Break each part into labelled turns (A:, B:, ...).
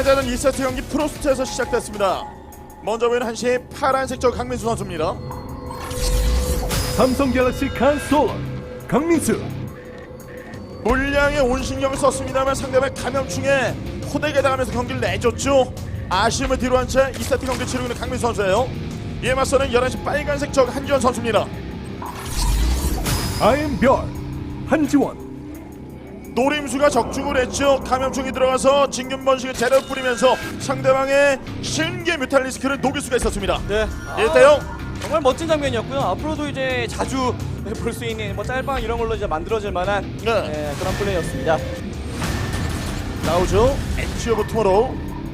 A: 패자는 2세트 경기 프로스트에서 시작됐습니다. 먼저 보이는 한시 파란색 저 강민수 선수입니다.
B: 삼성 갤럭시 칸솔 강민수.
A: 물량에 온 신경을 썼습니다만 상대방 감염충에 호되게 당하면서 경기를 내줬죠. 아쉬움을 뒤로 한 채 2세트 경기 치르고 있는 강민수 선수예요. 이에 맞서는 11시 빨간색 저 한지원 선수입니다.
B: 아임별 한지원.
A: 노림수가 적중을 했죠. 감염충이 들어가서 진균번식을 제대로 뿌리면서 상대방의 신개 뮤탈리스크를 녹일 수가 있었습니다.
C: 네.
A: 1대0.
C: 정말 멋진 장면이었고요. 앞으로도 이제 자주 볼 수 있는 뭐 짤방 이런 걸로 이제 만들어질 만한
A: 네.
C: 그런 플레이였습니다.
A: 나오죠. 엣지 오브 투모로우.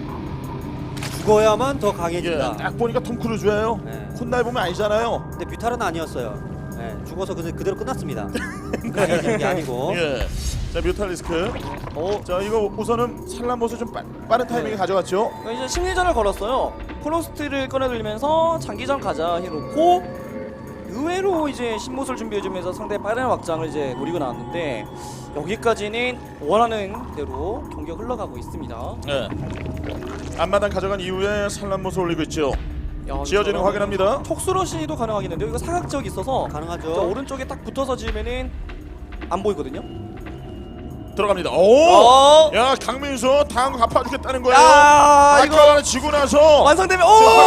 D: 죽어야만 더
A: 예,
D: 강해진다.
A: 딱 보니까 톰 크루즈예요.
D: 네.
A: 콧날 보면 아니잖아요.
D: 근데 뮤탈은 아니었어요. 네, 죽어서 그대로 끝났습니다. 강해지는 게 아니고.
A: 예. 자, 뮤탈리스크. 자, 이거 우선은 산란모스 좀 빠른 타이밍에 가져갔죠.
C: 이제 심리전을 걸었어요. 프로스트를 꺼내들면서 장기전 가자 해놓고 의외로 이제 신못을 준비해주면서 상대 빠른 확장을 이제 노리고 나왔는데 여기까지는 원하는 대로 경기가 흘러가고 있습니다.
A: 네. 앞마당 가져간 이후에 산란모스 올리고 있죠.
C: 야,
A: 지어지는 거 확인합니다.
C: 촉수러시도 가능하겠는데요. 이거 사각지역 있어서
D: 가능하죠.
C: 저 오른쪽에 딱 붙어서 지으면은 안 보이거든요.
A: 들어갑니다. 오!
C: 어!
A: 야, 강민수 다음 거 갚아주겠다는 거예요.
C: 야, 이거
A: 아까 지고 나서
C: 완성되면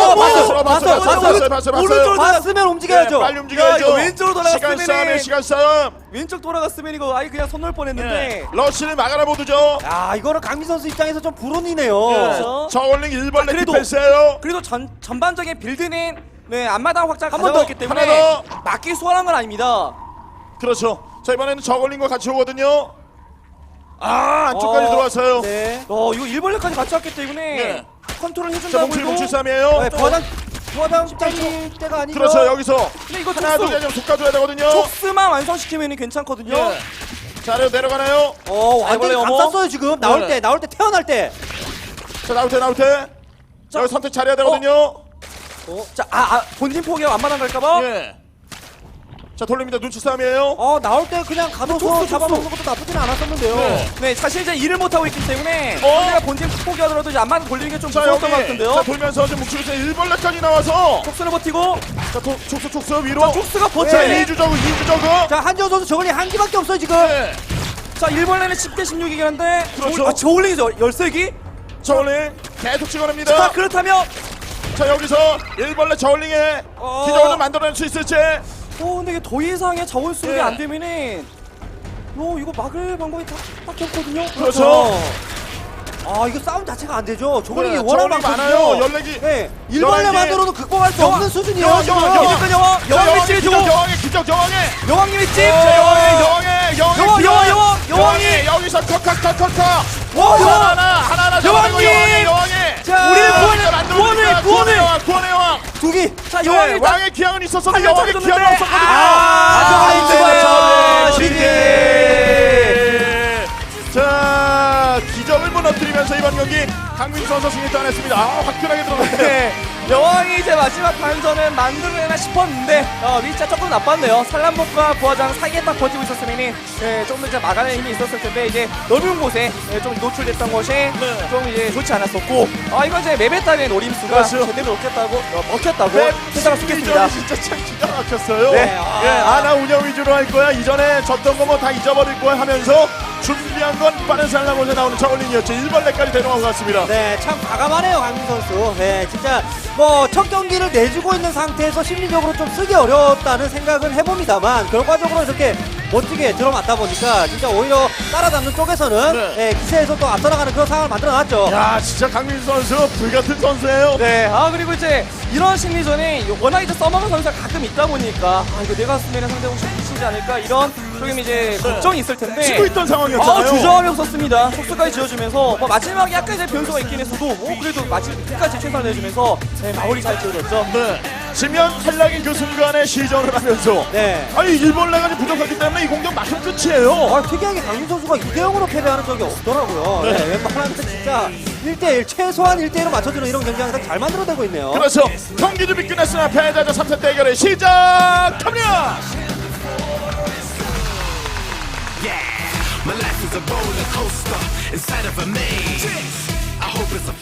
A: 봤어요.
C: 오른쪽으로
D: 봤으면 움직여야죠.
A: 빨리 움직여야죠.
C: 야, 이거 왼쪽으로
A: 시간
C: 돌아갔으면은-
A: 싸움에 시간 싸움.
C: 왼쪽 돌아갔으면 이거 아예 그냥 손 넣을 뻔했는데.
A: 네. 러시를 막아라 보드죠.
D: 야, 이거는 강민 선수 입장에서 좀 불운이네요.
C: 그렇죠.
A: 저울링 1벌레
C: 그래도-
A: 디펜스예요.
C: 그래도 전반적인 빌드는 네 앞마당 확장
A: 한번
C: 가져갔기
A: 더,
C: 때문에
A: 하나
C: 막기 수월한 건 아닙니다.
A: 그렇죠. 자, 이번에는 저울링과 같이 오거든요. 아, 안쪽까지 들어왔어요.
D: 네.
C: 이거 일벌레까지 같이 왔기 때문에
A: 네.
C: 컨트롤
A: 자,
C: 해준다고
A: 뭉칠
C: 해도.
A: 뭉칠 싸움이에요.
D: 네, 부하장 짤 때가 아니죠.
A: 그렇죠. 여기서
C: 근데 이거
A: 하나 둘
C: 촉수
A: 속 가져야 되거든요.
C: 촉수만 완성시키면 괜찮거든요.
A: 예. 자, 아래로 내려가나요?
D: 완전히
C: 아이벌레 어머.
D: 감쌌어요 지금. 나올
A: 네.
D: 때 태어날 때.
A: 자, 나올 때. 자, 여기 선택 잘해야 되거든요.
C: 자, 본진 포기하고 앞마당 갈까봐.
A: 예. 자, 돌립니다. 눈치 싸움이에요.
D: 나올 때 그냥 가둬서
C: 촉수.
D: 잡아먹는 것도 나쁘진 않았었는데요.
A: 네.
C: 네, 사실 이제 일을 못 하고 있기 때문에 상대가 본진 포기하더라도 이제 앞마당 돌리는 게 좀
A: 자,
C: 무서웠던 것
A: 여기.
C: 같은데요.
A: 자, 돌면서 지금 뭉치고 있어요. 1벌레까지 나와서.
C: 촉수를 버티고
A: 자, 촉수 위로.
C: 촉수가
A: 자,
C: 버텨야
A: 2주 저그, 2주 저그.
D: 자, 한지원 선수 저걸리 한 기밖에 없어요 지금.
A: 네.
C: 자, 일벌레는 10대 16이긴 한데
A: 그렇죠.
C: 저울링이죠. 13기?
A: 저울링 계속 찍어냅니다.
C: 자, 그렇다면
A: 자, 여기서 1벌레 저울링에 기적을 좀 만들어낼 수 있을지.
C: 근데 이게 더 이상의 자원 수급이
A: 예.
C: 안 되면은 이거 막을 방법이 딱히 없거든요.
A: 그렇죠.
D: 이거 싸움 자체가 안 되죠. 저걸리
A: 네,
D: 워낙
A: 저울링
D: 많거든요.
A: 많아요. 14기.
D: 네,
A: 11기.
D: 일벌레만으로는 극복할 수 없는 수준이에요.
A: 여왕,
D: 지금.
A: 여왕,
C: 이제껏 여왕 위치를 주고
A: 여왕의 기적, 여왕의.
C: 여왕님의 집.
A: 자, 여왕의
C: 여왕이.
A: 여기서 컷.
C: 와,
A: 하나
C: 여왕님!
A: 여왕의.
D: 자,
C: 우리를
A: 구원의 여왕.
D: 두기.
C: 자,
A: 네,
C: 여왕이 딱
A: 왕의 기왕은 있었어도
C: 한명
A: 여왕의
C: 쳐줬는데.
A: 기왕은 없었거든요. 자, 기적을 무너뜨리면서 이번 경기 강민수 선수 승리 따냈습니다. 화끈하게 들어갔네요.
C: 네, 여왕이 이제 마지막 반전은 만들어내나 싶었는데 위치가 조금 나빴네요. 산란복과 부하장 사이에 딱 버티고 있었으면 조금 더 이제 막아낼 힘이 있었을 텐데 이제 넓은 곳에 좀 노출됐던 것이 좀 이제 좋지 않았었고 이건 이제 맵에 따른 노림수가
A: 그렇죠.
C: 제대로 먹혔다고 생각할 수 있겠습니다.
A: 진짜 참 기가 막혔어요.
C: 네.
A: 나 운영 위주로 할 거야. 이전에 졌던 거 뭐 다 잊어버릴 거야 하면서 준비한 건 빠른 살라몬에 나오는 저울링이었죠. 1벌레까지 데려간 것 같습니다.
D: 네, 참 과감하네요, 강민 선수. 네, 진짜 뭐 첫 경기를 내주고 있는 상태에서 심리적으로 좀 쓰기 어려웠다는 생각은 해봅니다만 결과적으로 이렇게 멋지게 들어맞다 보니까 진짜 오히려 따라잡는 쪽에서는
A: 네.
D: 기세에서 또 앞서 나가는 그런 상황을 만들어놨죠.
A: 야, 진짜 강민수 선수 불같은 선수예요.
C: 네, 그리고 이제 이런 심리전에 워낙 이제 써먹는 선수가 가끔 있다 보니까 이거 내가 쓰면 상대방 치지 않을까 이런 조금 이제 걱정이 있을 텐데
A: 치고 있던 상황이었잖아요.
C: 주저함이 없었습니다. 속수까지 지어주면서 마지막에 약간 이제 변수가 있긴 했어도 그래도 마지막 끝까지 최선을 내주면서 마무리 잘 지어줬죠.
A: 네. 지면 탈락인 그 순간에 시전을 하면서
D: 네.
A: 일벌레가 좀 부족하기 때문에 이 공격 막힌 끝이에요.
D: 특이하게 강민 선수가 2대0으로 패배하는 적이 없더라고요. 네, 웬만하면 진짜 1대1, 최소한 1대1로 맞춰주는 이런 경기 항상 잘 만들어내고 있네요.
A: 그래서 경기 준비 끝났으나 패자자 3세 대결을 시작합니다.
E: My life is a roller coaster inside of a maze. I hope it's a